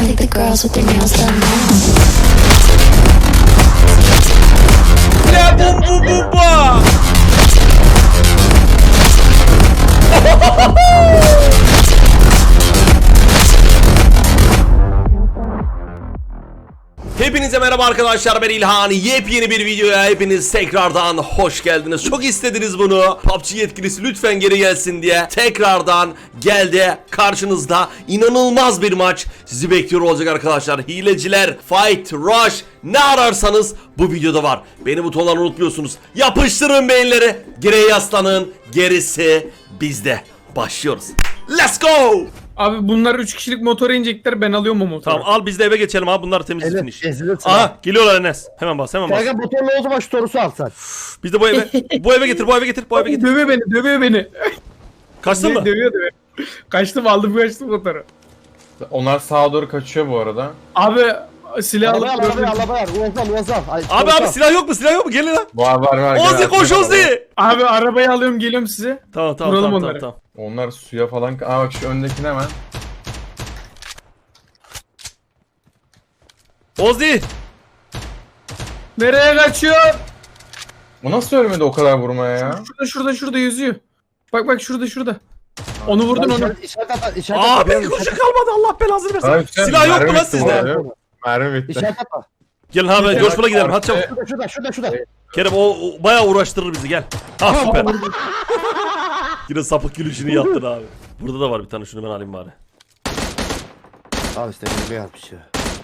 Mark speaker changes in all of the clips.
Speaker 1: like the girls with their nails done now.
Speaker 2: La bum bum bum ba. Hepinize merhaba arkadaşlar, ben İlhan. Yepyeni bir videoya hepiniz tekrardan hoş geldiniz. Çok istediniz bunu. PUBG yetkilisi lütfen geri gelsin diye tekrardan geldi. Karşınızda inanılmaz bir maç sizi bekliyor olacak arkadaşlar. Hileciler, fight, rush, ne ararsanız bu videoda var. Beni butonları unutmuyorsunuz. Yapıştırın beyinleri. Geriye yaslanın. Gerisi bizde. Başlıyoruz. Let's go.
Speaker 3: Abi bunlar 3 kişilik motora inecekler, ben alıyorum o motoru.
Speaker 2: Tamam, al biz de eve geçelim abi, bunlar temizlik
Speaker 4: Evet,
Speaker 2: finish.
Speaker 4: ezilirsin
Speaker 2: Aha geliyorlar Enes. Hemen bas, hemen bas.
Speaker 4: Kanka motorla o zaman şu torusu alsan.
Speaker 2: Biz de bu eve bu eve getir, bu eve getir, bu eve getir.
Speaker 3: Dövüyor beni.
Speaker 2: Kaçtın mı?
Speaker 3: Dövüyor. Kaçtım motoru.
Speaker 5: Onlar sağa doğru kaçıyor bu arada.
Speaker 3: Abi silah
Speaker 4: Arabaya
Speaker 3: alıp
Speaker 4: arabaya. Uazal.
Speaker 2: Abi silah yok mu? Silah yok mu? Gelin lan.
Speaker 5: Var.
Speaker 2: Ozi
Speaker 5: gel,
Speaker 2: koş
Speaker 5: gel.
Speaker 2: Ozi.
Speaker 3: Abi arabayı alıyorum, geliyorum size.
Speaker 2: Tamam
Speaker 3: Vuralım onları.
Speaker 2: tamam.
Speaker 5: Onlar suya falan... Aa bak şu öndekine hemen.
Speaker 2: Ozi.
Speaker 3: Nereye kaçıyor?
Speaker 5: Bu nasıl ölmedi o kadar vurmaya ya?
Speaker 3: Şurada yüzüyor. Bak şurada. Onu vurdun onu.
Speaker 4: İşaret at.
Speaker 2: Abi koşu kalmadı, Allah belasını versin.
Speaker 5: Abi,
Speaker 2: Silah yok mu
Speaker 5: mermi
Speaker 2: lan
Speaker 5: bitti
Speaker 2: sizde?
Speaker 5: bu arada. Mermi bitti.
Speaker 4: İşaret atma.
Speaker 2: Gelin abi, coşkula gidelim hadi çabuk.
Speaker 4: Şurada.
Speaker 2: Kerem o bayağı uğraştırır bizi, gel. Ha süper. Yine sapık gülüşünü yaptın abi. Burada da var bir tane, şunu ben alayım bari.
Speaker 4: Al işte bir yapmış ya.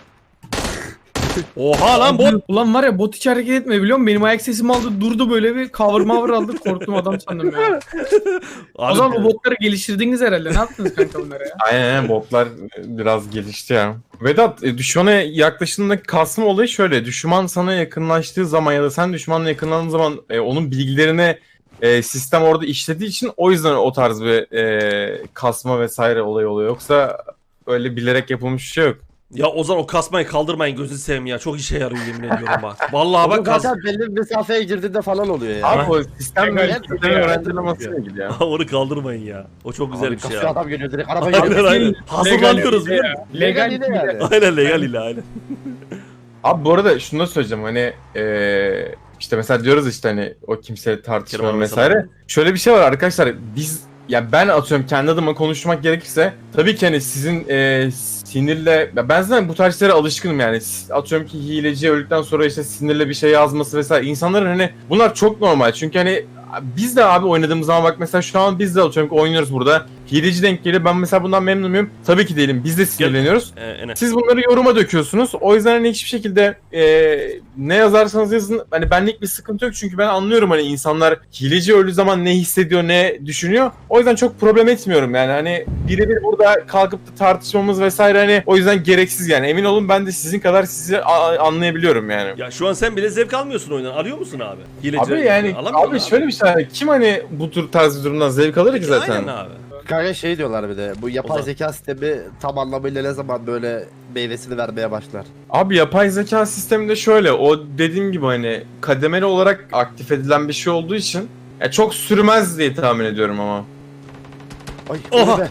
Speaker 2: Oha lan bot.
Speaker 3: Ulan var ya, bot hiç hareket etmiyor biliyor musun? Benim ayak sesimi aldı, durdu böyle bir cover aldı, korktum adam sandım ya. O zaman bu botları geliştirdiniz herhalde. Ne yaptınız kanka bunlara ya?
Speaker 5: Aynen botlar biraz gelişti ya. Vedat, düşmana yaklaştığında kasma olayı şöyle. Düşman sana yakınlaştığı zaman ya da sen düşmanla yakınlandığın zaman onun bilgilerini sistem orada işlediği için o yüzden o tarz bir kasma vesaire olayı oluyor. Yoksa öyle bilerek yapılmış bir şey yok.
Speaker 2: Ya Ozan, o kasmayı kaldırmayın, gözünü seveyim ya. Çok işe yarıyor yemin ediyorum bak. Vallahi bak kas.
Speaker 4: Zaten belli bir mesafeye girdiğinde falan oluyor ya.
Speaker 5: Abi o sistem
Speaker 3: Evet,
Speaker 5: sistemi öğrendirilmesiyle ilgili ya.
Speaker 2: Onu kaldırmayın ya. O çok güzel bir şey
Speaker 4: Kasıyor
Speaker 2: ya.
Speaker 4: adam geliyor direkt araba
Speaker 2: Aynen
Speaker 4: geliyor.
Speaker 2: aynen. Hazırlanıyoruz biliyor musun?
Speaker 3: Legal
Speaker 4: Legal yani.
Speaker 2: Aynen legal ile aynen.
Speaker 5: Abi bu arada şunu da söyleyeceğim hani işte mesela diyoruz işte hani o kimse tartışmıyor
Speaker 2: Kerem abi
Speaker 5: vesaire.
Speaker 2: sana.
Speaker 5: Şöyle bir şey var arkadaşlar, biz ya ben atıyorum kendi adıma konuşmak gerekirse tabii ki hani sizin sinirle ben zaten bu tarz şeylere alışkınım yani. Atıyorum ki hileci öldükten sonra işte sinirle bir şey yazması vesaire, insanların hani bunlar çok normal çünkü hani biz de abi oynadığımız zaman bak mesela şu an biz de atıyorum ki oynuyoruz burada. Hileci denk geliyor. Ben mesela bundan memnun muyum? Tabii ki değilim. Biz de sinirleniyoruz.
Speaker 2: Enes.
Speaker 5: Siz bunları yoruma döküyorsunuz. O yüzden hani hiçbir şekilde ne yazarsanız yazın. Hani benlik bir sıkıntı yok. Çünkü ben anlıyorum hani insanlar hileci öldüğü zaman ne hissediyor, ne düşünüyor. O yüzden çok problem etmiyorum yani. Hani birebir burada kalkıp da tartışmamız vesaire hani o yüzden gereksiz yani. Emin olun ben de sizin kadar sizi anlayabiliyorum yani.
Speaker 2: Ya şu an sen bile zevk almıyorsun oyundan. Alıyor musun abi? Hileci
Speaker 5: Abi yani abi şöyle bir şey var. Kim hani bu tür tarz bir durumdan zevk alır ki zaten?
Speaker 2: Aynen abi.
Speaker 4: Kanka şey diyorlar bir de bu yapay
Speaker 2: Ozan.
Speaker 4: zeka sistemi tam anlamıyla ne zaman böyle meyvesini vermeye başlar.
Speaker 5: Abi yapay zeka sisteminde şöyle, o dediğim gibi hani kademeli olarak aktif edilen bir şey olduğu için ya çok sürmez diye tahmin ediyorum ama.
Speaker 4: Ay
Speaker 2: Oha!
Speaker 4: öyle be.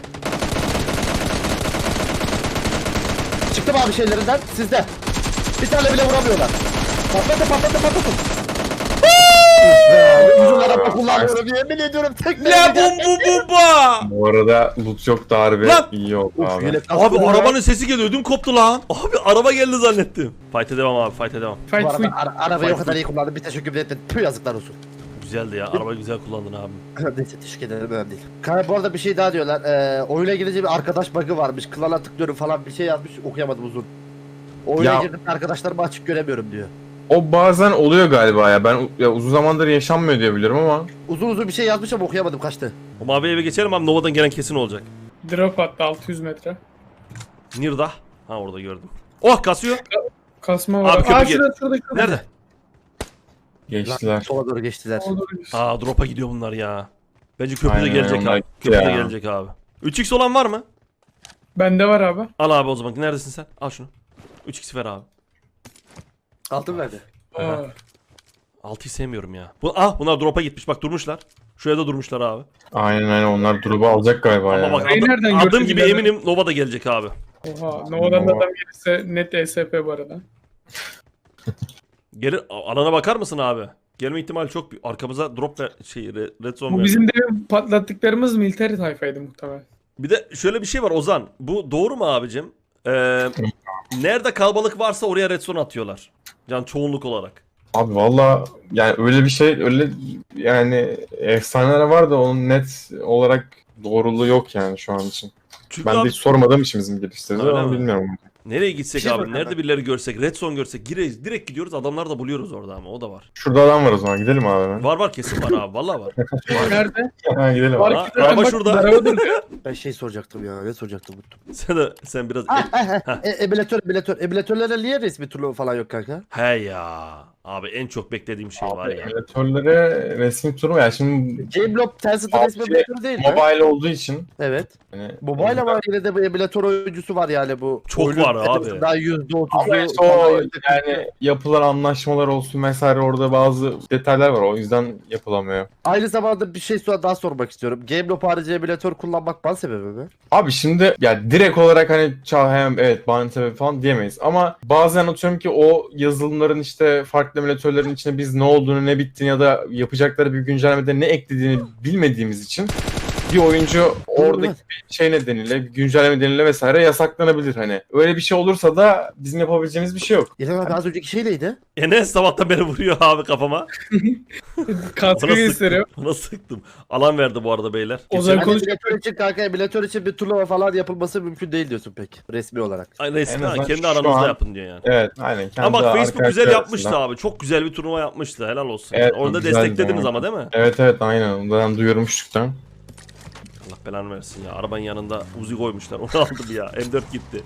Speaker 4: Çıktım abi şeylerinden sizde. Bir tane bile vuramıyorlar. Patlatın. Uzunlara kullanıyorum yemin ediyorum tek
Speaker 2: La bum bum bum ba.
Speaker 5: Bu arada loot yok da harbi
Speaker 2: Lan!
Speaker 5: iyi oldu
Speaker 4: Uf,
Speaker 5: abi.
Speaker 4: yelek
Speaker 2: Abi
Speaker 4: kaskı var.
Speaker 2: arabanın sesi geliyor, ödüm koptu lan. Abi araba geldi zannettim. Fight'e devam abi, fight'e devam.
Speaker 4: Bu
Speaker 3: Fight
Speaker 4: arada
Speaker 3: full.
Speaker 4: arabayı o kadar iyi kullandım bir teşekkür ederim. Tüh yazıklar olsun.
Speaker 2: Güzeldi ya, arabayı güzel kullandın abi.
Speaker 4: Neyse teşekkür ederim önemli değil. Kanka bu arada bir şey daha diyorlar. Oyuna girince bir arkadaş bug'ı varmış. Klana tıklıyorum falan bir şey yazmış okuyamadım uzun. Oyuna
Speaker 5: Ya-
Speaker 4: girdim arkadaşlarımı açık göremiyorum diyor.
Speaker 5: O bazen oluyor galiba ya. Ben ya uzun zamandır yaşanmıyor diye biliyorum ama.
Speaker 4: Uzun bir şey yazmış ama okuyamadım kaçtı.
Speaker 2: O mavi eve geçelim abi, Nova'dan gelen kesin olacak.
Speaker 3: Drop attı 600 metre.
Speaker 2: Nirda. Ha orada gördüm. Oh kasıyor.
Speaker 3: Kasma var.
Speaker 2: Abi köprü
Speaker 3: Aa
Speaker 2: gel-
Speaker 3: şurada.
Speaker 2: Nerede?
Speaker 5: Geçtiler.
Speaker 4: Sola doğru geçtiler.
Speaker 2: Aa drop'a gidiyor bunlar ya. Bence köprüde
Speaker 5: Aynen,
Speaker 2: gelecek
Speaker 5: onlar
Speaker 2: abi.
Speaker 5: gitti
Speaker 2: Köprüde
Speaker 5: ya.
Speaker 2: gelecek abi. 3x olan var mı?
Speaker 3: Bende var abi.
Speaker 2: Al abi o zaman. Neredesin sen? Al şunu. 3x ver abi.
Speaker 4: Altın verdi.
Speaker 3: Aa.
Speaker 2: 6'yı sevmiyorum ya. Bunlar drop'a gitmiş. Bak durmuşlar. Şuraya da durmuşlar abi.
Speaker 5: Aynen onlar drop'u alacak galiba
Speaker 2: Ama
Speaker 5: ya.
Speaker 2: bak
Speaker 3: Burayı nereden
Speaker 2: adım
Speaker 3: gördün
Speaker 2: gibi
Speaker 3: bilemedim.
Speaker 2: eminim Nova da gelecek abi.
Speaker 3: Oha. Nova'dan da adam gelirse net ESP bu arada.
Speaker 2: Gelir alana bakar mısın abi? Gelme ihtimali çok büyük. Arkamıza drop ver, red zone
Speaker 3: Bu
Speaker 2: ver.
Speaker 3: bizim de patlattıklarımız military tayfaydı muhtemelen.
Speaker 2: Bir de şöyle bir şey var Ozan. Bu doğru mu abicim? Nerede kalabalık varsa oraya red zone atıyorlar. Yani çoğunluk olarak.
Speaker 5: Abi valla yani öyle bir şey öyle yani efsaneler var da onun net olarak doğruluğu yok yani şu an için.
Speaker 2: Çünkü
Speaker 5: Ben de
Speaker 2: abi,
Speaker 5: hiç sormadığım için bizim geliştiriciler
Speaker 2: Öyle
Speaker 5: ama
Speaker 2: mi?
Speaker 5: bilmiyorum.
Speaker 2: nereye gitsek
Speaker 4: Bir şey
Speaker 2: abi?
Speaker 4: soracağım
Speaker 2: Nerede birileri görsek, red zone görsek direkt gidiyoruz. Adamlar da buluyoruz orada ama o da var.
Speaker 5: Şurada adam var o zaman gidelim abi hemen.
Speaker 2: Var kesin var abi. Vallahi var.
Speaker 3: Nerede?
Speaker 5: Ha, gidelim
Speaker 3: Var
Speaker 5: abi.
Speaker 2: Ha,
Speaker 3: ki zaten
Speaker 2: araba
Speaker 3: bak,
Speaker 2: şurada.
Speaker 3: araba duruyor.
Speaker 4: Ben şey soracaktım ya. Ne soracaktım unuttum.
Speaker 2: Sen biraz
Speaker 4: Ebilatörlere niye resmi turnuva falan yok kanka?
Speaker 2: he ya. Abi en çok beklediğim şey var ya.
Speaker 5: Emülatörlere resmi turnuva ya şimdi
Speaker 4: Gamelob Tencent'ın resmi
Speaker 5: PUBG
Speaker 4: ebilatörü değil mi?
Speaker 5: mobile olduğu için
Speaker 4: Evet.
Speaker 5: hani
Speaker 4: Mobile ama yine de bu ebilatör oyuncusu var yani bu.
Speaker 2: Çok
Speaker 4: oyunun
Speaker 2: var abi.
Speaker 4: Daha %30'u
Speaker 5: ama işte o yani yapılan anlaşmalar olsun vesaire orada bazı detaylar var o yüzden yapılamıyor.
Speaker 4: Aynı zamanda bir şey daha sormak istiyorum. Gamelob harici ebilatör kullanmak ban sebebi mi?
Speaker 5: Abi şimdi ya direkt olarak hani hem evet bahane sebebi falan diyemeyiz ama bazen atıyorum ki o yazılımların işte farklı emülatörlerin içinde biz ne olduğunu ne bittiğini ya da yapacakları bir güncellemede ne eklediğini bilmediğimiz için bir oyuncu oradaki bir şey nedeniyle bir güncelleme nedeniyle vesaire yasaklanabilir hani. Öyle bir şey olursa da bizim yapabileceğimiz bir şey yok.
Speaker 4: İlhan abi az önceki şey neydi?
Speaker 2: Enes sabahtan beri vuruyor abi kafama.
Speaker 3: Katkı
Speaker 2: Bana
Speaker 3: gösteriyor.
Speaker 2: sıktım. Bana sıktım. Alan verdi bu arada beyler.
Speaker 3: Ozan
Speaker 4: Yani
Speaker 3: konuş.
Speaker 4: ebilatör için kanka ebilatör için bir turnuva falan yapılması mümkün değil diyorsun pek resmi olarak.
Speaker 2: Ay, resmi
Speaker 5: En azından
Speaker 2: kendi
Speaker 5: şu
Speaker 2: aranızda
Speaker 5: an-
Speaker 2: yapın diyor yani.
Speaker 5: Evet aynen. Kendi
Speaker 2: Ama bak Facebook
Speaker 5: arkadaşlar
Speaker 2: güzel yapmıştı
Speaker 5: arasında.
Speaker 2: abi. Çok güzel bir turnuva yapmıştı. Helal olsun.
Speaker 5: Evet,
Speaker 2: Orada
Speaker 5: güzeldi
Speaker 2: desteklediniz
Speaker 5: yani.
Speaker 2: ama değil mi?
Speaker 5: Evet aynen. Ondan duyurmuştuk da.
Speaker 2: Allah belanı versin ya. Arabanın yanında Uzi koymuşlar. Onu aldım ya. M4 gitti.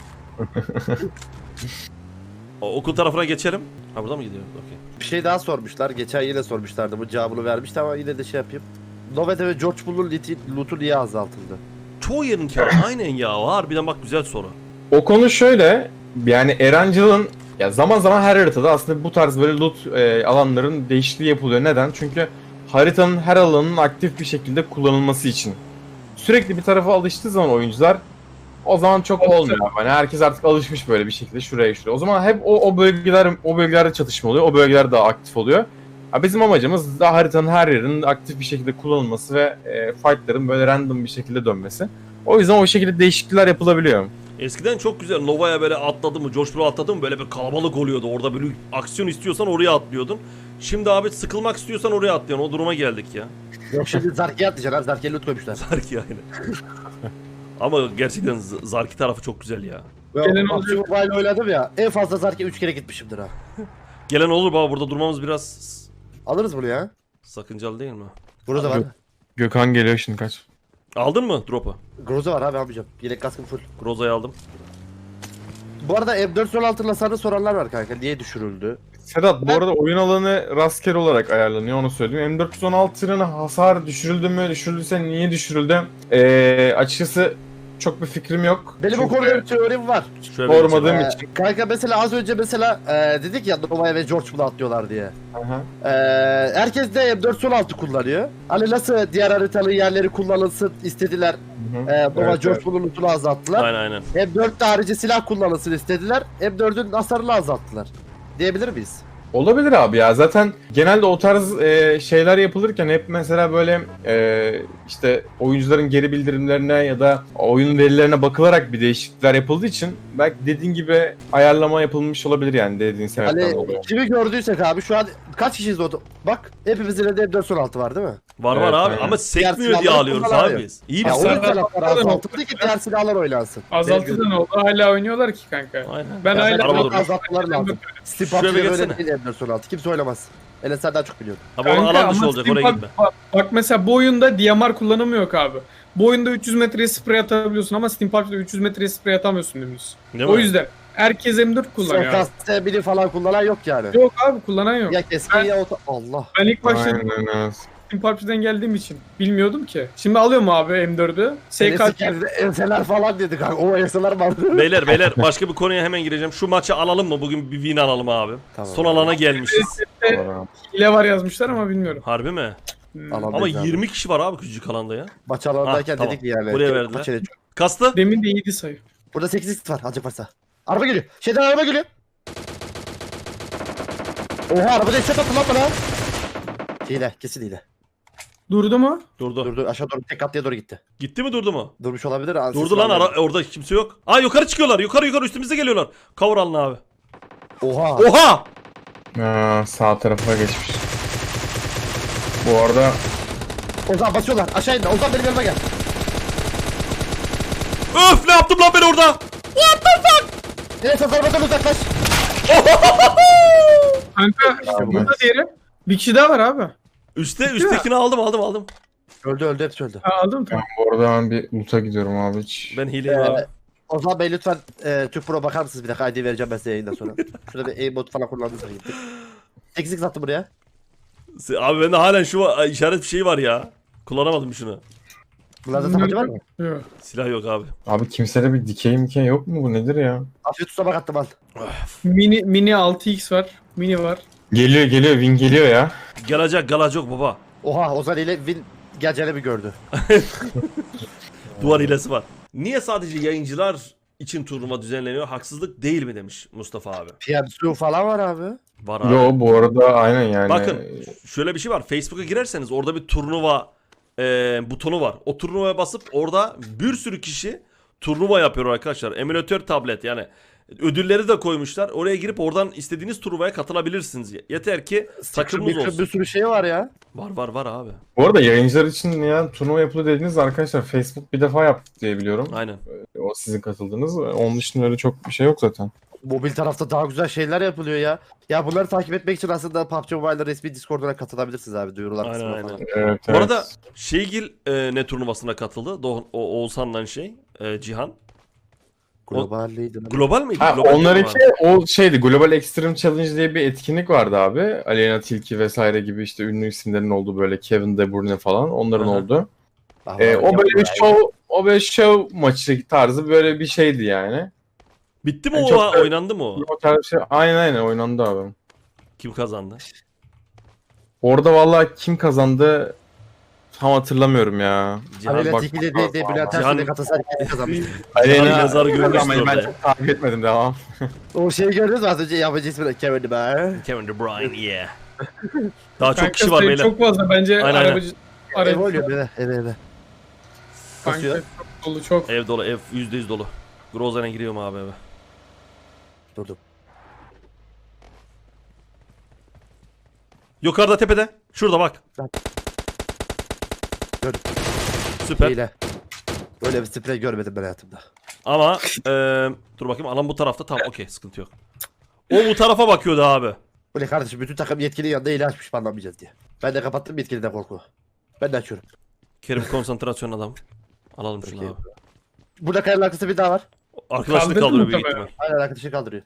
Speaker 2: Okul tarafına geçelim. Ha burada mı gidiyor? Okey.
Speaker 4: Bir şey daha sormuşlar. Geçen yine sormuşlardı. Bu cevabını vermişti ama yine de şey yapayım. Novete ve George Bull'un loot'u niye azaltıldı?
Speaker 2: Çoğu yerin kârı. Aynen ya. Harbiden bak güzel soru.
Speaker 5: O konu şöyle, yani Erancıl'ın ya zaman zaman her haritada aslında bu tarz böyle loot alanların değişikliği yapılıyor. Neden? Çünkü haritanın her alanının aktif bir şekilde kullanılması için. Sürekli bir tarafa alıştığı zaman oyuncular o zaman çok olmuyor. Yani herkes artık alışmış böyle bir şekilde şuraya. O zaman hep o bölgelerde çatışma oluyor. O bölgeler daha aktif oluyor. Ya bizim amacımız da haritanın her yerinin aktif bir şekilde kullanılması ve fightların böyle random bir şekilde dönmesi. O yüzden o şekilde değişiklikler yapılabiliyor.
Speaker 2: Eskiden çok güzel. Nova'ya böyle atladı mı, George Bull'a atladı mı böyle bir kalabalık oluyordu. Orada böyle aksiyon istiyorsan oraya atlıyordun. Şimdi abi sıkılmak istiyorsan oraya atlıyorsun. O duruma geldik ya.
Speaker 4: Yok şimdi Zarki'ye atlayacaksın abi. Zarki'ye loot koymuşlar.
Speaker 2: Zarki aynen. Ama gerçekten Zarki tarafı çok güzel ya.
Speaker 3: Gelen
Speaker 4: PUBG Mobile oynadım ya. En fazla Zarki'ye 3 kere gitmişimdir ha.
Speaker 2: Gelen olur baba, burada durmamız biraz
Speaker 4: Alırız bunu ya.
Speaker 2: sakıncalı değil mi?
Speaker 4: Burada var.
Speaker 5: Gökhan geliyor şimdi kaç.
Speaker 2: Aldın mı drop'u?
Speaker 4: Groza var abi almayacağım. Yelek kaskım full.
Speaker 2: Groza'yı aldım.
Speaker 4: Bu arada M416 hasarını soranlar var kanka. Niye düşürüldü?
Speaker 5: Sedat bu arada oyun alanı rastgele olarak ayarlanıyor onu söyleyeyim. M416'nın hasar düşürüldü mü? Düşürüldüyse niye düşürüldü? Açıkçası çok bir fikrim yok.
Speaker 4: Benim o
Speaker 5: Çünkü
Speaker 4: konuda bir teorim var.
Speaker 2: Şöyle bir
Speaker 5: sormadığım
Speaker 2: geçelim.
Speaker 5: için.
Speaker 4: Kanka mesela az önce dedik ya Nova'ya ve George Bull'a atlıyorlar diye.
Speaker 5: Aha.
Speaker 4: Herkes de M416 kullanıyor. Hani nasıl diğer haritalı yerleri kullanılsın istediler.
Speaker 5: Hı hı.
Speaker 4: Nova
Speaker 5: Evet,
Speaker 4: George
Speaker 5: evet.
Speaker 4: Bull'un lootunu azalttılar.
Speaker 2: Aynen.
Speaker 4: M4'te harici silah kullanılsın istediler. M4'ün hasarını azalttılar. Diyebilir miyiz?
Speaker 5: Olabilir abi ya. Zaten genelde o tarz şeyler yapılırken hep mesela böyle işte oyuncuların geri bildirimlerine ya da oyun verilerine bakılarak bir değişiklikler yapıldığı için belki dediğin gibi ayarlama yapılmış olabilir yani dediğin sebepten
Speaker 4: Hani
Speaker 5: dolayı.
Speaker 4: kimi gördüysek abi şu an kaç kişiyiz orada? Bak hepimizin elinde M416 var değil mi?
Speaker 2: Var
Speaker 5: Evet,
Speaker 2: abi
Speaker 5: aynen.
Speaker 2: ama sekmiyor diye
Speaker 4: silahları
Speaker 2: alıyoruz
Speaker 4: kullanamıyor.
Speaker 2: abi biz. İyi bir
Speaker 4: Ya o
Speaker 2: silah.
Speaker 4: silahlar azaltıldı ki diğer silahlar oynansın.
Speaker 3: Azaltı da ne oldu? Hala oynuyorlar ki kanka.
Speaker 2: Aynen.
Speaker 3: Ben
Speaker 4: Ya
Speaker 3: hala
Speaker 2: araba
Speaker 4: ben
Speaker 2: durmuş.
Speaker 4: azaltmalar lazım. Steam
Speaker 2: Şuraya bir
Speaker 4: PUBG'de
Speaker 2: geçsene.
Speaker 4: böyle değil M416. Kimse oynamaz. Enes daha çok biliyor.
Speaker 2: Abi onun
Speaker 3: Kanka
Speaker 2: alan dışı
Speaker 3: ama
Speaker 2: olacak,
Speaker 3: Steam
Speaker 2: oraya
Speaker 3: Pub-
Speaker 2: gitme.
Speaker 3: Bak mesela bu oyunda DMR kullanımı yok abi. Bu oyunda 300 metreye sprey atabiliyorsun ama Steam PUBG'de 300 metreye sprey atamıyorsun dümdüz.
Speaker 2: Değil
Speaker 3: O
Speaker 2: mi?
Speaker 3: yüzden herkes M4 kullanıyor abi.
Speaker 4: SKS falan kullanan yok yani.
Speaker 3: Yok abi kullanan yok.
Speaker 4: Ya keskin ya Allah.
Speaker 3: Ben ilk başta
Speaker 5: Aynen öyle.
Speaker 3: Steam PUBG'den geldiğim için bilmiyordum ki. Şimdi alıyorum abi M4'ü.
Speaker 4: Enes'i
Speaker 3: SK
Speaker 4: kendi enseler falan dedi kanka. O enseler var.
Speaker 2: Beyler başka bir konuya hemen gireceğim. Şu maçı alalım mı? Bugün bir win alalım abi.
Speaker 4: Tamam.
Speaker 2: Son alana gelmişiz.
Speaker 3: ile var yazmışlar ama bilmiyorum.
Speaker 2: Harbi mi?
Speaker 4: Alan
Speaker 2: Ama
Speaker 4: değil abi.
Speaker 2: 20 kişi var abi küçücük alanda ya.
Speaker 4: Maç alanındayken
Speaker 2: Ah, tamam.
Speaker 4: dedik yani.
Speaker 2: Buraya
Speaker 4: Çok
Speaker 2: verdiler.
Speaker 4: maç ele-
Speaker 2: Kastı?
Speaker 3: Demin de iyiydi sayı.
Speaker 4: Burada 8x var azıcık varsa. Araba geliyor. Şeyden araba geliyor. Oha arabada headshot attı lan bana. Hile kesin hile.
Speaker 3: Durdu mu?
Speaker 2: Durdu.
Speaker 4: Durdu aşağı doğru tek katlıya doğru gitti.
Speaker 2: Gitti mi durdu mu?
Speaker 4: Durmuş olabilir.
Speaker 2: Durdu lan orada kimse yok. Aa yukarı çıkıyorlar. Yukarı üstümüze geliyorlar. Cover alın abi.
Speaker 4: Oha.
Speaker 2: Oha!
Speaker 5: Sağ tarafa geçmiş. Bu arada
Speaker 4: Ozan basıyorlar aşağı indi. Ozan benim yanıma gel.
Speaker 2: Öf ne yaptım lan ben orada?
Speaker 4: Enes arabadan uzaklaş.
Speaker 3: Kanka burada diğeri. Bir kişi daha var abi.
Speaker 2: Üsttekini aldım.
Speaker 4: Öldü hepsi öldü.
Speaker 3: Ha, aldım tamam.
Speaker 5: bu arada ben bir loot'a gidiyorum abi hiç.
Speaker 2: Ben hileyim abi.
Speaker 4: Ozan Bey lütfen Türk Pro bakar mısınız bir dakika ID vereceğim ben size yayından sonra. Şurada bir aimbot falan kullandınız gittik. 8x attı buraya.
Speaker 2: Abi bende halen şu işaret bir şey var ya. Kullanamadım şunu.
Speaker 4: Bunlarda tabanca var mı?
Speaker 3: Yok.
Speaker 2: Silah yok abi.
Speaker 5: Abi kimsede bir dikey yok mu, bu nedir ya?
Speaker 4: Afiyet tutamak attım al.
Speaker 3: Mini 6x var. Mini var.
Speaker 5: Geliyor win geliyor ya.
Speaker 2: Gelecek baba.
Speaker 4: Oha Ozan ile Win geleceğini bir gördü.
Speaker 2: Duvar hilesi var. Niye sadece yayıncılar için turnuva düzenleniyor? Haksızlık değil mi demiş Mustafa abi.
Speaker 4: PMSU falan var abi.
Speaker 2: Var abi.
Speaker 5: Yo bu arada aynen yani.
Speaker 2: Bakın şöyle bir şey var. Facebook'a girerseniz orada bir turnuva butonu var. O turnuvaya basıp orada bir sürü kişi turnuva yapıyor arkadaşlar. Emülatör tablet yani ödülleri de koymuşlar. Oraya girip oradan istediğiniz turnuvaya katılabilirsiniz. Yeter ki takımınız olsun.
Speaker 4: Bir sürü şey var ya.
Speaker 2: Var abi.
Speaker 5: Bu arada yayıncılar için ya turnuva yapılıyor dediniz arkadaşlar, Facebook bir defa yaptı diye biliyorum.
Speaker 2: Aynen.
Speaker 5: O sizin katıldığınız. Onun dışında öyle çok bir şey yok zaten.
Speaker 4: Mobil tarafta daha güzel şeyler yapılıyor ya. Ya bunları takip etmek için aslında PUBG Mobile'da resmi Discord'una katılabilirsiniz abi duyurular
Speaker 2: Aynen,
Speaker 4: kısmına
Speaker 2: aynen.
Speaker 4: falan.
Speaker 5: Evet,
Speaker 2: Bu arada Şeygil ne turnuvasına katıldı? Oğuzhan'la Cihan.
Speaker 4: Globalliydi.
Speaker 2: Global miydi?
Speaker 5: Ha,
Speaker 2: Global
Speaker 5: onlarınki
Speaker 2: mi?
Speaker 5: o şeydi, Global Extreme Challenge diye bir etkinlik vardı abi. Aleyna Tilki vesaire gibi işte ünlü isimlerin olduğu, böyle Kevin De Bruyne falan onların
Speaker 2: Aha.
Speaker 5: oldu.
Speaker 4: Ah,
Speaker 5: O böyle bir show maçı tarzı böyle bir şeydi yani.
Speaker 2: Bitti mi
Speaker 5: Yani
Speaker 2: o?
Speaker 5: çok da-
Speaker 2: Oynandı mı o?
Speaker 5: O tarz bir şey. Aynen oynandı abi.
Speaker 2: Kim kazandı?
Speaker 5: Orada vallahi kim kazandı tam hatırlamıyorum ya.
Speaker 4: Aleyna
Speaker 5: Bak-
Speaker 4: Tilki de Bülent
Speaker 2: Cihan-
Speaker 4: Ersoy'la Galatasaray kazanmış.
Speaker 5: Aleyna
Speaker 2: yazar görmüştür
Speaker 5: Ama ben
Speaker 2: orada.
Speaker 5: çok takip etmedim, devam.
Speaker 4: O şeyi gördünüz mü az önce yabancı ismi Kevin De Bruyne.
Speaker 2: Kevin De Bruyne yeah. Daha çok
Speaker 3: Kanka
Speaker 2: kişi var
Speaker 3: sayı
Speaker 2: beyler.
Speaker 3: çok fazla bence
Speaker 2: Aynen,
Speaker 3: arabacı.
Speaker 4: Ev oluyor eve.
Speaker 3: Kanka
Speaker 4: Kasıyor.
Speaker 3: çok dolu çok.
Speaker 2: Ev dolu, ev %100 dolu. Grozan'a giriyorum abi eve.
Speaker 4: Durdum.
Speaker 2: Yukarıda tepede. Şurada bak.
Speaker 4: Gördüm.
Speaker 2: Süper.
Speaker 4: Hile. Böyle bir sprey görmedim ben hayatımda.
Speaker 2: Ama dur bakayım alan bu tarafta, tamam okey, sıkıntı yok. O bu tarafa bakıyordu abi.
Speaker 4: Bu ne kardeşim bütün takım yetkili yanında hile açmış banlamayacağız diye. Ben de kapattım yetkiliden korku. Ben de açıyorum.
Speaker 2: Kerim konsantrasyon adam. Alalım şunu
Speaker 4: Okey.
Speaker 2: abi.
Speaker 4: Burada kayanın arkasında bir daha var.
Speaker 2: Arkadaşını
Speaker 3: Kaldırdı
Speaker 2: kaldırıyor büyük
Speaker 3: muhtemelen.
Speaker 2: ihtimal.
Speaker 4: Aynen arkadaşı kaldırıyor.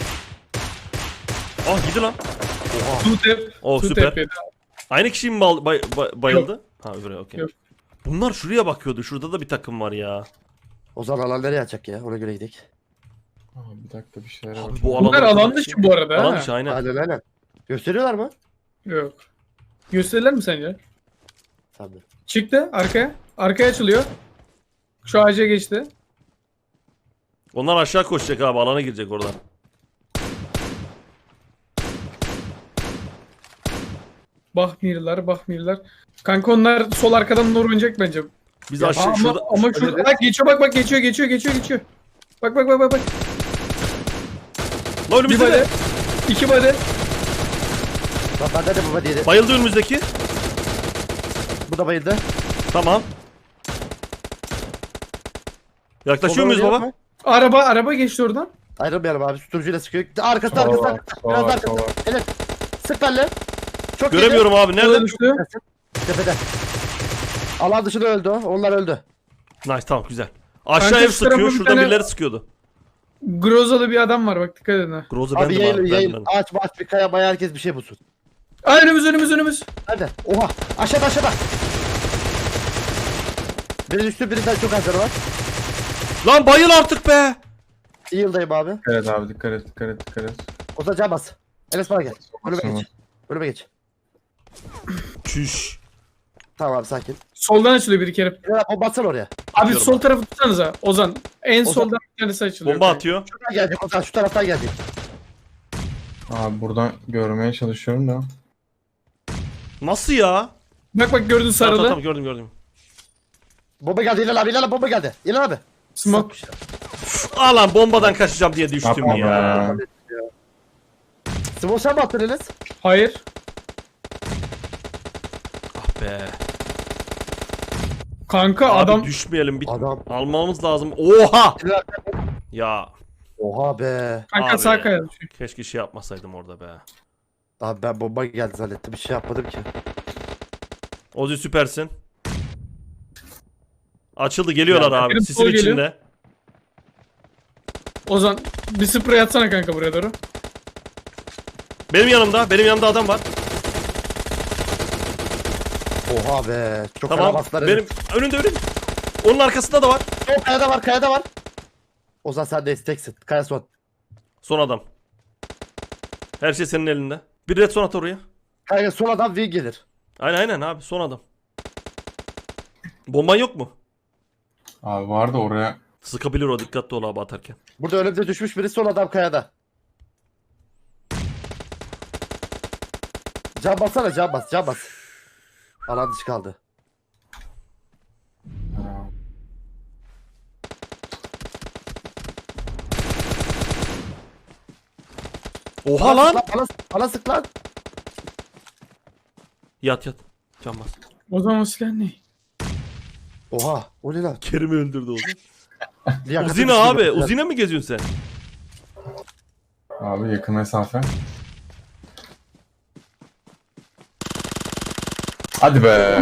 Speaker 2: Ah gidi lan.
Speaker 3: Tutep.
Speaker 2: Oh süper. Aynı kişi mi bayıldı? Ha öbürü okey.
Speaker 3: Yok.
Speaker 2: Bunlar şuraya bakıyordu. Şurada da bir takım var ya.
Speaker 4: O zaman alan nereye açacak ya? Ona göre gidelim.
Speaker 5: Bir dakika bir şeyler
Speaker 2: Abi
Speaker 5: var.
Speaker 2: bu
Speaker 3: Bunlar
Speaker 2: alanda
Speaker 3: alan dışı bu arada.
Speaker 2: Alan
Speaker 3: ha.
Speaker 2: dışı aynen.
Speaker 4: Aynen. Gösteriyorlar mı?
Speaker 3: Yok. Gösterirler mi sence?
Speaker 4: Tabii.
Speaker 3: Çıktı arkaya. Arkaya açılıyor. Şu ağaca geçti.
Speaker 2: Onlar aşağı koşacak abi, alana girecek oradan.
Speaker 3: Bahmirler. Kanka onlar sol arkadan doğru oynayacak bence.
Speaker 2: Biz
Speaker 4: Ya
Speaker 2: aşağı
Speaker 3: Ama,
Speaker 2: şurada.
Speaker 3: ama şurada bak geçiyor bak geçiyor. Bak.
Speaker 2: Lan
Speaker 3: Bir
Speaker 2: önümüzde
Speaker 3: bade.
Speaker 2: de.
Speaker 3: 2 bade.
Speaker 4: Bak bende de baba diye.
Speaker 2: Bayıldı önümüzdeki.
Speaker 4: Bu da bayıldı.
Speaker 2: Tamam. Yaklaşıyor
Speaker 4: Soldan
Speaker 2: muyuz baba?
Speaker 4: oynayalım mı?
Speaker 3: Araba geçti oradan.
Speaker 4: Ayrılmayalım abi. Susturucuyla sıkıyor. Arkasında.
Speaker 5: Sağ
Speaker 4: Biraz
Speaker 5: var.
Speaker 4: arkasında. Evet. Sık benle. Çok
Speaker 2: Göremiyorum abi.
Speaker 3: Nerede
Speaker 2: Nerede?
Speaker 3: düştü?
Speaker 4: Tepede. Alan dışında öldü o. Onlar öldü.
Speaker 2: Nice, tamam güzel. Aşağı
Speaker 3: Kanka
Speaker 2: ev
Speaker 3: şu tarafa
Speaker 2: sıkıyor.
Speaker 3: bir
Speaker 2: Şurada
Speaker 3: tane-
Speaker 2: birileri sıkıyordu.
Speaker 3: Grozalı bir adam var bak dikkat edin ha.
Speaker 2: Groza
Speaker 4: Abi
Speaker 2: bendim
Speaker 4: yayın
Speaker 2: ben.
Speaker 4: ağaç bir kaya maya herkes bir şey bulsun.
Speaker 3: Aa, önümüz.
Speaker 4: Hadi. Oha. Aşağıda. Biri düştü birinden çok azları var.
Speaker 2: Lan bayıl artık be.
Speaker 4: İyi yıldayım abi.
Speaker 5: Evet abi dikkat et.
Speaker 4: O zaman can bas. Enes bana gel. Önüme
Speaker 5: Tamam.
Speaker 4: geç. Önüme geç.
Speaker 2: Çüş.
Speaker 4: Tamam abi sakin.
Speaker 3: Soldan açılıyor bir kere.
Speaker 4: Ya o bassana oraya.
Speaker 3: Abi
Speaker 2: Tutuyorum
Speaker 3: sol
Speaker 2: ben.
Speaker 3: tarafı tutsanıza Ozan. En
Speaker 4: Ozan-
Speaker 3: soldan bir tanesi açılıyor.
Speaker 2: Bomba atıyor.
Speaker 4: Şuradan gelecek Ozan, şu taraftan gelecek.
Speaker 5: Abi buradan görmeye çalışıyorum da.
Speaker 2: Nasıl ya?
Speaker 3: Bak bak gördün
Speaker 2: Tamam,
Speaker 3: sarılı.
Speaker 2: tamam, gördüm.
Speaker 4: Bomba geldi İlhan abi, İlhan abi bomba geldi. İlhan abi.
Speaker 3: Smoke.
Speaker 2: Aa lan bombadan kaçacağım diye düştüm
Speaker 5: Yapma
Speaker 2: ya.
Speaker 5: be.
Speaker 4: Smoke sen mi attın Enes?
Speaker 3: Hayır.
Speaker 2: Ah be.
Speaker 3: Kanka
Speaker 2: Abi
Speaker 3: adam
Speaker 2: düşmeyelim. Bir
Speaker 4: Adam.
Speaker 2: almamız lazım. Oha!
Speaker 4: İlhan abi.
Speaker 2: Ya
Speaker 4: Oha be.
Speaker 3: kanka
Speaker 2: abi.
Speaker 3: sağ kaya düşüyor.
Speaker 2: keşke şey yapmasaydım orada be.
Speaker 4: Abi ben bomba geldi zannettim, bir şey yapmadım ki.
Speaker 2: Ozi süpersin. Açıldı, geliyorlar
Speaker 3: Ya,
Speaker 2: abi.
Speaker 3: benim
Speaker 2: Sisin
Speaker 3: sol geliyor.
Speaker 2: içinde.
Speaker 3: Ozan bir sprey atsana kanka buraya doğru.
Speaker 2: Benim yanımda adam var.
Speaker 4: Oha be. Çok
Speaker 2: Tamam.
Speaker 4: bastılar.
Speaker 2: Benim önünde. Onun arkasında da var.
Speaker 4: O kayada var, kayada var. Ozan sen de isteksin. Kaya son.
Speaker 2: Son adam. Her şey senin elinde. Bir red son at oraya.
Speaker 4: Kaya son adam win gelir.
Speaker 2: Aynen abi, son adam. Bomban yok mu?
Speaker 5: Abi vardı oraya.
Speaker 2: Sıkabilir o, dikkatli ol abi atarken.
Speaker 4: Burada önümde düşmüş biri, son adam kayada. Can bassana, can bas, can bas. Alan dışı kaldı.
Speaker 2: Oha lan!
Speaker 4: Bana sık lan.
Speaker 2: Yat. Can bas.
Speaker 3: Ozan o silah ne?
Speaker 4: Oha, o ne lan?
Speaker 2: Kerim'i öldürdü Ozi.
Speaker 4: Liyakatı
Speaker 2: Uzine
Speaker 4: düştü
Speaker 2: abi.
Speaker 4: ya.
Speaker 2: Uzine mi geziyorsun sen?
Speaker 5: Abi yakın mesafe. Hadi be.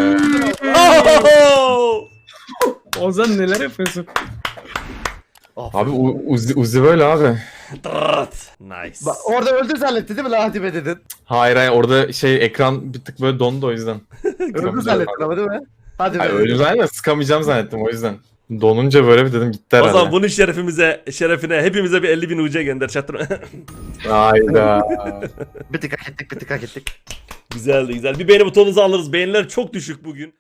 Speaker 2: Oh!
Speaker 3: Ozan neler yapıyorsun?
Speaker 5: Abi Uzi böyle abi.
Speaker 2: Dırrt. Nice.
Speaker 4: Bak, orada öldü zannetti değil mi lan, hadi be dedin.
Speaker 5: Hayır orada şey ekran bir tık böyle dondu o yüzden.
Speaker 4: Öldü zannettin ama değil mi? Hadi be.
Speaker 5: Hayır öyle zannettim, sıkamayacağım zannettim o yüzden. Donunca böyle bir dedim gitti
Speaker 2: O
Speaker 5: herhalde.
Speaker 2: zaman bunun şerefine hepimize bir 50.000 UC gönder çatır.
Speaker 5: Hayda.
Speaker 4: Bir tık hak ettik, bir tık hak ettik.
Speaker 2: Güzeldi. Bir beğeni butonunuzu alırız. Beğeniler çok düşük bugün.